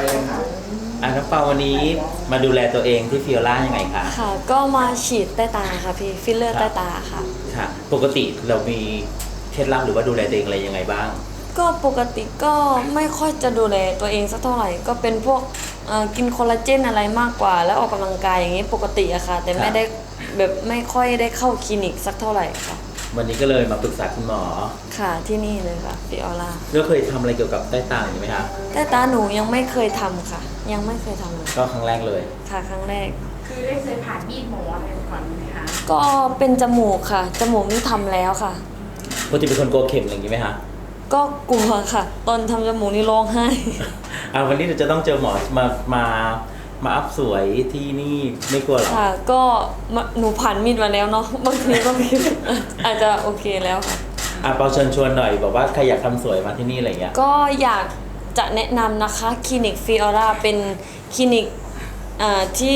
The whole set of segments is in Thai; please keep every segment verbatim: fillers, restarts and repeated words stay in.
เลยค่ะอ่ะน้องเปาวันนี้มาดูแลตัวเองที่ฟิโอล่ายังไงคะค่ะก็มาฉีดใต้ตาค่ะพี่ฟิลเลอร์ครับใต้ตาค่ะค่ะปกติเรามีเคล็ดลับหรือว่าดูแลตัวเองอะไรยังไงบ้างก็ปกติก็ไม่ค่อยจะดูแลตัวเองสักเท่าไหร่ก็เป็นพวกเอ่อกินคอลลาเจนอะไรมากกว่าแล้วออกกำลังกายอย่างนี้ปกติอะค่ะแต่ไม่ได้แบบไม่ค่อยได้เข้าคลินิกสักเท่าไหร่ค่ะวันนี้ก็เลยมาปรึกษาคุณหมอค่ะที่นี่เลยค่ะฟิออร่าแล้วเคยทำอะไรเกี่ยวกับใต้ตาอยู่ไหมคะใต้ตาหนูยังไม่เคยทำค่ะ ยังไม่เคยทำเลยก็ครั้งแรกเลยค่ะครั้งแรกคือได้เคยผ่านมีดหมออะไรก่อนไหมคะก็เป็นจมูกค่ะจมูกนี่ทำแล้วค่ะปกติเป็นคนกลัวเข็มอะไรอย่างนี้ไหมคะก็กลัวค่ะตอนทำจมูกนี่ร้องไห้อ่าวันนี้เราจะต้องเจอหมอมามามาอัพสวยที่นี่ไม่กลัวหรอค่ะก็หนูผ่านมีดมาแล้วเนาะบางทีก็คิดอาจจะโอเคแล้วค่ะอ่ะเปาเชิญชวนหน่อยบอกว่าใครอยากทำสวยมาที่นี่อะไรเงี้ยก็อยากจะแนะนำนะคะคลินิกฟิออร่าเป็นคลินิกอ่าที่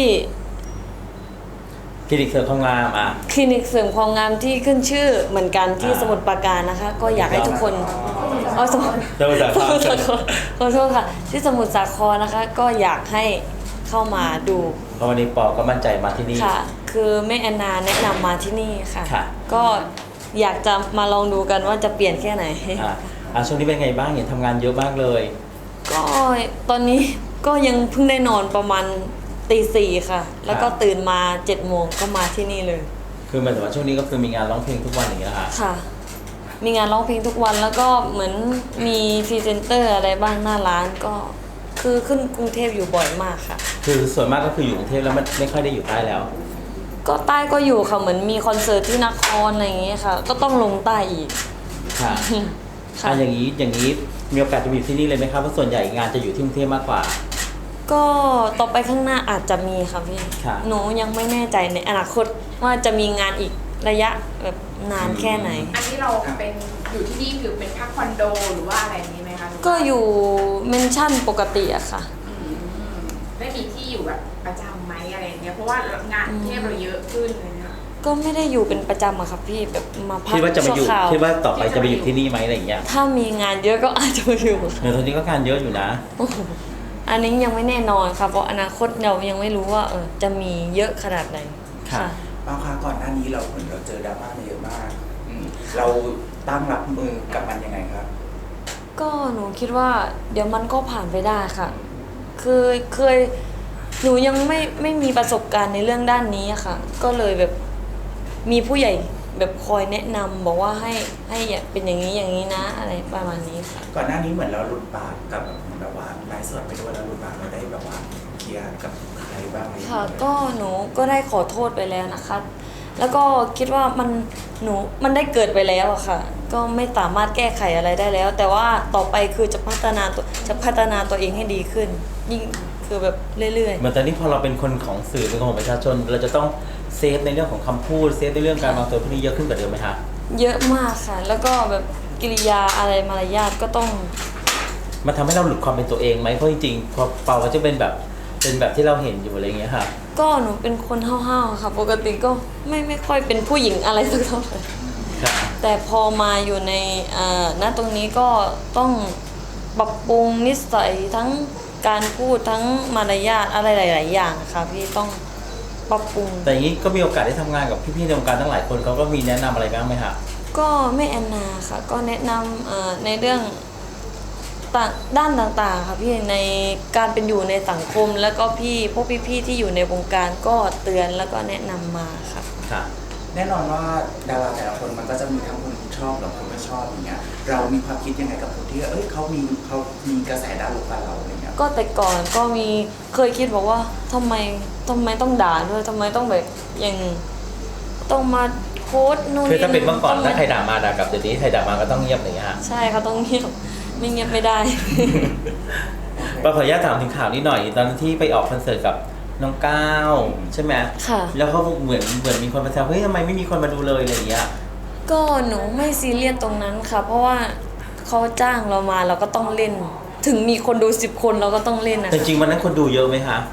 คลินิกเสริมความงามอ่ะคลินิกเสริมความงามที่ขึ้นชื่อเหมือนกันที่สมุทรปราการนะคะก็อยากให้ทุกคนอ๋อสมุทรสมุทรสาครขอโทษค่ะที่สมุทรสาครนะคะก็อยากให้เข้ามาดูเพราะวันนี้ปอก็มั่นใจมาที่นี่ค่ะคือแม่แอนนาแนะนำมาที่นี่ค่ะค่ะก็อยากจะมาลองดูกันว่าจะเปลี่ยนแค่ไหนอ่ะอ่ะช่วงนี้เป็นไงบ้างเห็นทำงานเยอะมากเลยก็ตอนนี้ก็ยังเพิ่งได้นอนประมาณตีสี่ค่ะแล้วก็ตื่นมาเจ็ดโมงก็มาที่นี่เลยคือหมายถึงว่าช่วงนี้ก็คือมีงานร้องเพลงทุกวันอย่างนี้นะคะค่ะมีงานร้องเพลงทุกวันแล้วก็เหมือนมีพรีเซนเตอร์อะไรบ้างหน้าร้านก็คือขึ้นกรุงเทพอยู่บ่อยมากค่ะคือส่วนมากก็คืออยู่กรุงเทพแล้วไม่ไม่ค่อยได้อยู่ใต้แล้วก็ใต้ก็อยู่ค่ะเหมือนมีคอนเสิร์ตที่นครอะไรอย่างเงี้ยค่ะก็ต้องลงใต้อีกค่ะค่ะอย่างนี้อย่างนี้มีโอกาสจะอยู่ที่นี่เลยไหมครับเพราะส่วนใหญ่งานจะอยู่ที่กรุงเทพมากกว่าก็ต่อไปข้างหน้าอาจจะมีค่ะพี่หนูยังไม่แน่ใจในอนาคตว่าจะมีงานอีกระยะแบบนานแค่ไหนอันนี้เราเป็นอยู่ที่นี่คือเป็นพักคอนโดหรือว่าอะไรนี้ไหมคะก็อยู่เมนชั่นปกติอะค่ะได้มีที่อยู่แบบประจำไหมอะไรเงี้ยเพราะว่างานเทพเราเยอะขึ้นเลยนะก็ไม่ได้อยู่เป็นประจำอะค่ะพี่แบบมาพักคิดว่าจะมาอยู่คิดว่าต่อไปจะมาอยู่ที่นี่ไหมอะไรอย่างเงี้ยถ้ามีงานเยอะก็อาจจะมาอยู่เดี๋ยวตอนนี้ก็งานเยอะอยู่นะอันนี้ยังไม่แน่นอนค่ะเพราะอนาคตเรายังไม่รู้ว่าเออจะมีเยอะขนาดไหนค่ะบางครั้งก่อนหน้านี้เราเหมือนเราเจอดราม่ามาเยอะมากเราตั้งรับมือกับมันยังไงครับก็หนูคิดว่าเดี๋ยวมันก็ผ่านไปได้ค่ะคือเคยหนูยังไม่ไม่มีประสบการณ์ในเรื่องด้านนี้ค่ะก็เลยแบบมีผู้ใหญ่แบบคอยแนะนำบอกว่าให้ให้เป็นอย่างนี้อย่างนี้นะอะไรประมาณนี้ค่ะก่อนหน้านี้เหมือนเราหลุดปากกับแบบว่าไลฟ์สดไปด้วยแล้วหลุดปากเราได้แบบว่าเคลียร์กับใครบ้างค่ะก็หนูก็ได้ขอโทษไปแล้วนะคะแล้วก็คิดว่ามันหนูมันได้เกิดไปแล้วอะค่ะก็ไม่สามารถแก้ไขอะไรได้แล้วแต่ว่าต่อไปคือจะพัฒนาตัวจะพัฒนาตัวเองให้ดีขึ้นยิ่งคือแบบเรื่อยๆเหมือนตอนนี้พอเราเป็นคนของสื่อเป็นคนของประชาชนเราจะต้องเซฟในเรื่องของคำพูดเซฟในเรื่องการวางตัวพวกนี้เยอะขึ้นกว่าเดิมไหมคะเยอะมากค่ะแล้วก็แบบกิริยาอะไรมารยาทก็ต้องมันทำให้เราหลุดความเป็นตัวเองไหมเพราะจริงๆพอเปาก็จะเป็นแบบเป็นแบบที่เราเห็นอยู่อะไรอย่างเงี้ยค่ะก็หนูเป็นคนห้าวๆค่ะปกติก็ไม่ไม่ค่อยเป็นผู้หญิงอะไรสักเท่าไหร่แต่พอมาอยู่ในอ่าณตรงนี้ก็ต้องปรับปรุงนิสัยทั้งการพูดทั้งมารยาทอะไรหลายๆอย่างค่ะพี่ต้องปรับปรุงแต่อย่างนี้ก็มีโอกาสได้ทำงานกับพี่ๆในวงการตั้งหลายคนเขาก็มีแนะนำอะไรบ้างไหมคะก็แม่แอนนาค่ะก็แนะนำในเรื่องด้านต่างๆค่ะพี่ในการเป็นอยู่ในสังคมแล้วก็พี่พวกพี่ๆที่อยู่ในวงการก็เตือนแล้วก็แนะนำมาค่ะค่ะแน่นอนว่าดาราแต่ละคนมันก็จะมีทั้งคนชอบกับคนไม่ชอบอย่างเงี้ยเรามีความคิดยังไงกับคนที่เอ้ยเขามีเขามีกระแสด้านลบกับเราอะไรเงี้ยก็แต่ก่อนก็มีเคยคิดบอกว่าทำไมทำไมต้องด่าด้วยทำไมต้องแบบอย่างต้องมาโพสต์นู่นคือถ้าเป็นเมื่อก่อนถ้าใครด่ามาด่ากลับเดี๋ยวนี้ใครด่ามาก็ต้องเงียบอย่างเงี้ยฮะใช่เขาต้องเงียบไม่เงียบไม่ได้ปาขออนุญาตถามถึงข่าวนี้หน่อยตอนที่ไปออกคอนเสิร์ตกับน้องก้าวใช่ไหมค่ะแล้วเขาเหมือนเหมือนมีคนมาแซวเฮ้ยทำไมไม่มีคนมาดูเลยอะไรอย่างเงี้ยก็หนูไม่ซีเรียสตรงนั้นค่ะเพราะว่าเขาจ้างเรามาเราก็ต้องเล่นถึงมีคนดูสิบคนเราก็ต้องเล่นนะแต่จริงวันนั้นคนดูเยอะไหมคะ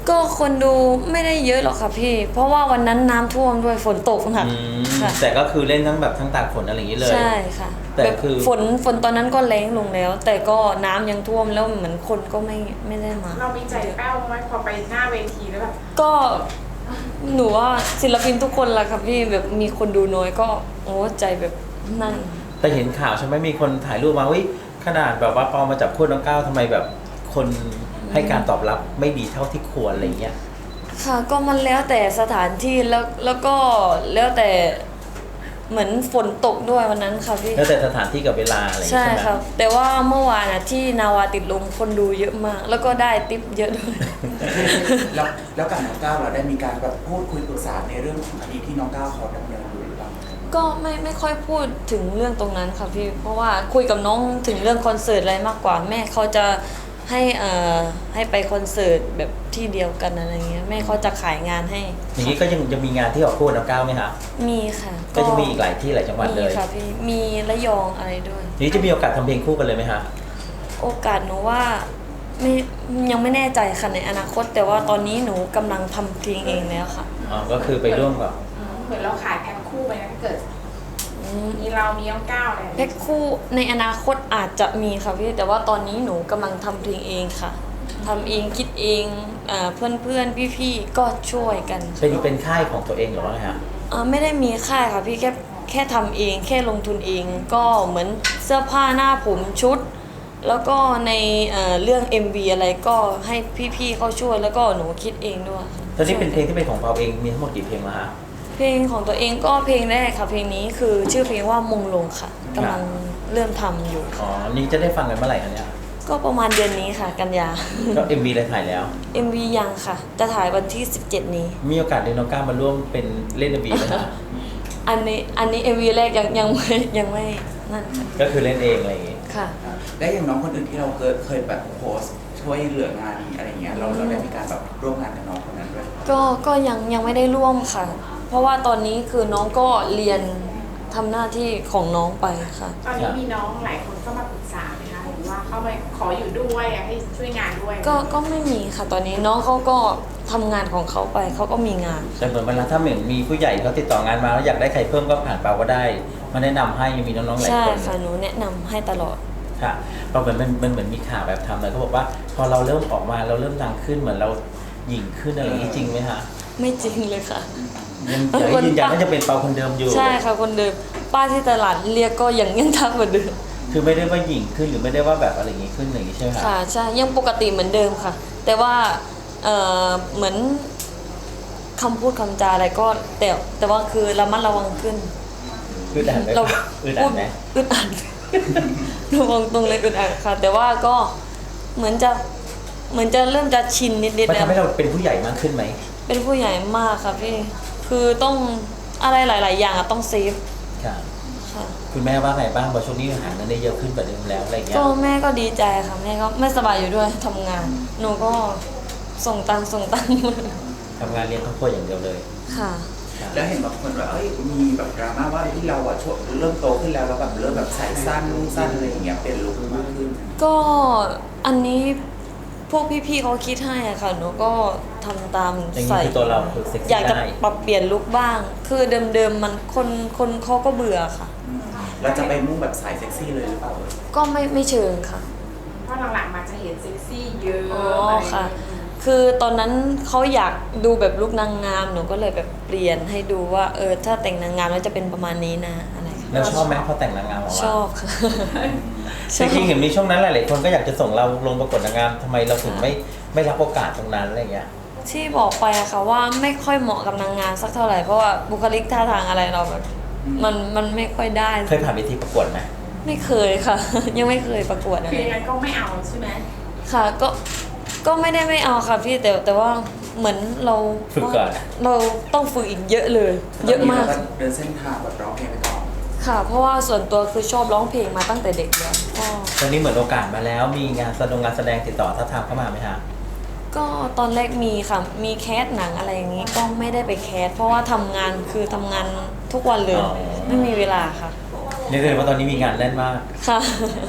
ก็คนดูไม่ได้เยอะหรอกค่ะพี่ เพราะว่าวันนั้นน้ำท่วมด้วยฝนตกหนักอืมค่ะแต่ก็คือเล่นทั้งแบบทั้งตากฝนอะไรอย่างนี้เลยใช่ค่ะแต่แบบคือฝนฝนตอนนั้นก็แล้งลงแล้ว แต่ก็น้ำยังท่วมแล้วเหมือนคนก็ไม่ไม่ได้มาเรามีใจแป้วไหมพอไปหน้าเวทีแล้วแบบก็หนูว่าศิลปินทุกคนละค่ะพี่แบบมีคนดูน้อยก็โอ้ใจแบบนั่นแต่เห็นข่าวใช่ไหมมีคนถ่ายรูปมาวิขนาดแบบว่าปอมาจับคู่น้องก้าวทำไมแบบคนให้การตอบรับไม่ดีเท่าที่ควรอะไรเงี้ยค่ะก็มันแล้วแต่สถานที่แล้วแล้วก็แล้วแต่เหมือนฝนตกด้วยวันนั้นค่ะพี่แล้วแต่สถานที่กับเวลาอะไรอย่างใช่เงี้ยใช่ไหมครับแต่ว่าเมื่อวานอะที่นาวาติดลมคนดูเยอะมาก แล้วก็ได้ติปเยอะด้วยแล้วแล้วกับน้องก้าวเราได้มีการแบบพูดคุยปรึกษาในเรื่องของคดีที่น้องก้าวเขาดำเนินอยู่หรือเปล่าก็ไม่ไม่ค่อยพูดถึงเรื่องตรงนั้นค่ะพี่ เพราะว่าคุยกับน้องถึงเรื่องคอนเสิร์ตอะไรมากกว่า แม่เขาจะให้เอ่อให้ไปคอนเสิร์ตแบบที่เดียวกันอะไรเงี้ยแม่เขาจะขายงานให้อย่างนี้ก็ยังยังมีงานที่ออกคู่กับน้องก้าวไหมคะมีค่ะก็จะมีอีกหลายที่หลายจังหวัดเลมียค่ะพี่มีระยองอะไรด้วยทีนี้จะมีโอกาสทำเพลงคู่กันเลยไหมคะโอกาสหนูว่าไม่ยังไม่แน่ใจค่ะในอนาคต แต่ว่าตอนนี้หนูกำลังทำเพลงเองแล้วค่ะอ๋อก็คือไปร่วมกับอืมเหมือนเราขายแพ็คคู่ไปนะถ้าเกิด มีเรามีน้องก้าวอะไรอย่างแพ็เงี้ยคคู่ในอนาคตอาจจะมีค่ะพี่แต่ว่าตอนนี้หนูกำลังทำเพลงเองค่ะทำเองคิดเองเพื่อนเพื่อนพี่พี่ๆก็ช่วยกันค่ะเป็นเป็นค่ายของตัวเองหรือว่าไงฮะอ่าไม่ได้มีค่ายค่ะพี่แค่แค่ทำเองแค่ลงทุนเอง ก็เหมือนเสื้อผ้าหน้าผมชุด แล้วก็ในเอ่อเรื่อง เอ็ม วี อะไรก็ให้พี่ๆเขาช่วยแล้วก็หนูคิดเองด้วยตอนนี้เป็นเพลงที่เป็นของเราเองมีทั้งหมดกี่เพลงแล้วฮะเพลงของตัวเองก็เพลงแรกค่ะเพลงนี้คือชื่อเพลงว่ามงลงค่ะกำลังเริ่มทำอยู่อ๋อนี่จะได้ฟังกันเมื่อไหร่คะเนี่ยก็ประมาณเดือนนี้ค่ะกันยาก็ เอ็ม วี ได้ถ่ายแล้วเอ็ม วี ยังค่ะ จะถ่ายวันที่สิบเจ็ดนี้มีโอกาสได้น้องก้าวมาร่วมเป็นเล่น เอ็ม วีไหมฮะอันนี้อันนี้ เอ็ม วี แรกยังยังไม่ยังไม่นั่นค่ะก็คือเล่นเองอะไรอย่างงี้ค่ะและอย่างน้องคนอื่นที่เราเคยเคยแบบโพสต์ช่วยเหลืองานอะไรเงี้ยเราเราได้มีการแบบร่วมงานกับน้องคนนั้นด้วยก็ก็ยังยังไม่ได้ร่วมค่ะ เพราะว่าตอนนี้คือน้องก็เรียนทำหน้าที่ของน้องไปค่ะตอนนี้มีน้องหลายคนเข้ามาปรึกษาไหมคะหรือว่าเข้ามาขออยู่ด้วยอยากให้ช่วยงานด้วยก็ก็ไม่มีค่ะตอนนี้น้องเขาก็ทำงานของเขาไปเขาก็มีงานแต่เหมือนเวลาถ้าเหมือนมีผู้ใหญ่เขาติดต่องานมาแล้วอยากได้ใครเพิ่มก็ผ่านเปาก็ได้ มาแนะนำให้ยังมีน้องๆหลายใช่คนค่ะหนูแนะนำให้ตลอดค่ะเราเหมือนมันมันเหมือนมีข่าวแบบทำเลยเขาบอกว่าพอเราเริ่มออกมาเราเริ่มดังขึ้นเหมือนเราหยิ่งขึ้นอะไรอย่างนี้จริงไหมคะไม่จริงเลยค่ะยังอยากให้ยืนยันว่าจะเป็นเปาคนเดิมอยู่ใช่ค่ะคนเดิมป้าที่ตลาดเรียกก็ยังยังทักเหมือนเดิมคือไม่ได้ว่าหยิ่งขึ้นหรือไม่ได้ว่าแบบอะไรอย่างนี้ขึ้นอย่างนี้ใช่ไหมคะค่ะใช่ยังปกติเหมือนเดิมค่ะ แต่ว่าเอ่อเหมือนคำพูดคำจาอะไรก็แต่แต่ว่าคือระมัดระวังขึ้นอึดอัดไหมเราอึดอัดไหมอึดอัด ระวังตรงเลยอึดอัดค่ะ แต่ว่าก็เหมือนจะเหมือนจะเริ่มจะชินนิดๆมันแล้วทำให้เราเป็นผู้ใหญ่มากขึ้นไหมเป็นผู้ใหญ่มากค่ะพี่คือต้องอะไรหลาย ๆ อย่างอะต้องเซฟค่ะค่ะคุณแม่ว่าไงบ้างบอกช่วงนี้หาเงินได้เยอะขึ้นกว่าเดิมแล้วอะไรอย่างเงี้ยก็แม่ก็ดีใจค่ะแม่ก็ไม่สบายอยู่ด้วยทำงาน หนูก็ส่งตังค์ส่งตังค์ทำงานเลี้ยงครอบครัวอย่างเดียวเลยค่ะค่ะแล้วเห็นบางคนว่าเอ้ยมีแบบดราม่าว่าที่เราอะช่วงเริ่มโตขึ้นแล้วแล้วแบบเริ่มแบบใส่สั้นนุ่งสั้นอะไรอย่างเงี้ยเปลี่ยนลุคมากขึ้นก็อันนี้พวกพี่ๆเขาคิดให้อะค่ะหนูก็ทำตามอย่างนี้ใส่คือตัวเราคือเซ็กอยาซี่กจะได้ปรับเปลี่ยนลุคบ้าง คือเดิมๆมันคนคนเขาก็เบื่อค่ะเราจะไปมุ่งแบบสายเซ็กซี่เลยหรือเปล่าก็ไม่ไม่เชิงค่ะเพราะหลังๆมาจะเห็นเซ็กซี่เยอะอ๋ออะไรอย่างค่ะเงี้ยคือตอนนั้นเขาอยากดูแบบลุคนางงามหนูก็เลยแบบเปลี่ยนให้ดูว่าเออถ้าแต่งนางงามแล้วจะเป็นประมาณนี้นะอะไรค่ะแล้วชอบไหมพอแต่งนางงามออกชมาอบค่ะจริงๆเห็นมีช่วงนั้นหลายๆคนก็อยากจะส่งเราลงประกวดนางงามทำไมเราถึงไม่ไม่รับโอกาสตรงนั้นอะไรเงี้ยที่บอกไปอะค่ะว่าไม่ค่อยเหมาะกับนางงามสักเท่าไหร่เพราะว่าบุคลิกท่าทางอะไรเราแบบมันมันไม่ค่อยได้เคยผ่านเวทีประกวดไหมไม่เคยค่ะ ยังไม่เคยประกวดอะคือไรยังไงก็ไม่เอาใช่ไหมค่ะก็ก็ไม่ได้ไม่เอาค่ะพี่แต่แต่ว่าเหมือนเราฝึกก่อนเราต้องฝึกอีกเยอะเลย เยอะมากตนนี้เราเดินเส้นทางแบบร้องเพลงไปก่อนค่ะ เพราะว่าส่วนตัวคือชอบร้องเพลงมาตั้งแต่เด็กแล้วก็ตอนนี้เหมือนโอกาสมาแล้วมีงานแสดงงานแสดงติดต่อท้าทามเข้ามาไหมฮะก็ตอนแรกมีค่ะ มีแคสหนังอะไรอย่างนี้ก็ไม่ได้ไปแคสเพราะว่าทำงานคือทำงานทุกวันเลยอ๋อไม่มีเวลาค่ะเรียกได้ว่าตอนนี้มีงานแน่นมากค่ะ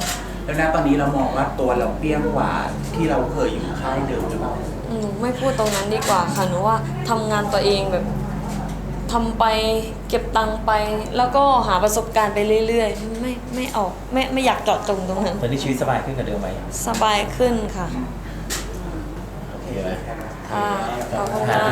แล้วนะตอนนี้เรามองว่าตัวเราเปรี้ยงกว่าที่เราเคยอยู่ค่ายเดิมหรือเปล่าหนูไม่พูดตรงนั้นดีกว่าค่ะหนูว่าทำงานตัวเองแบบทำไปเก็บตังค์ไป แล้วก็หาประสบการณ์ไปเรื่อยๆ ไม่ไม่ออกไม่ไม่อยากเจาะจงตรงนั้นตอนนี้ชีวิตสบายขึ้นกว่าเดิมไหมสบายขึ้นค่ะโอเคไหมค่ะขอบคุณค่ะ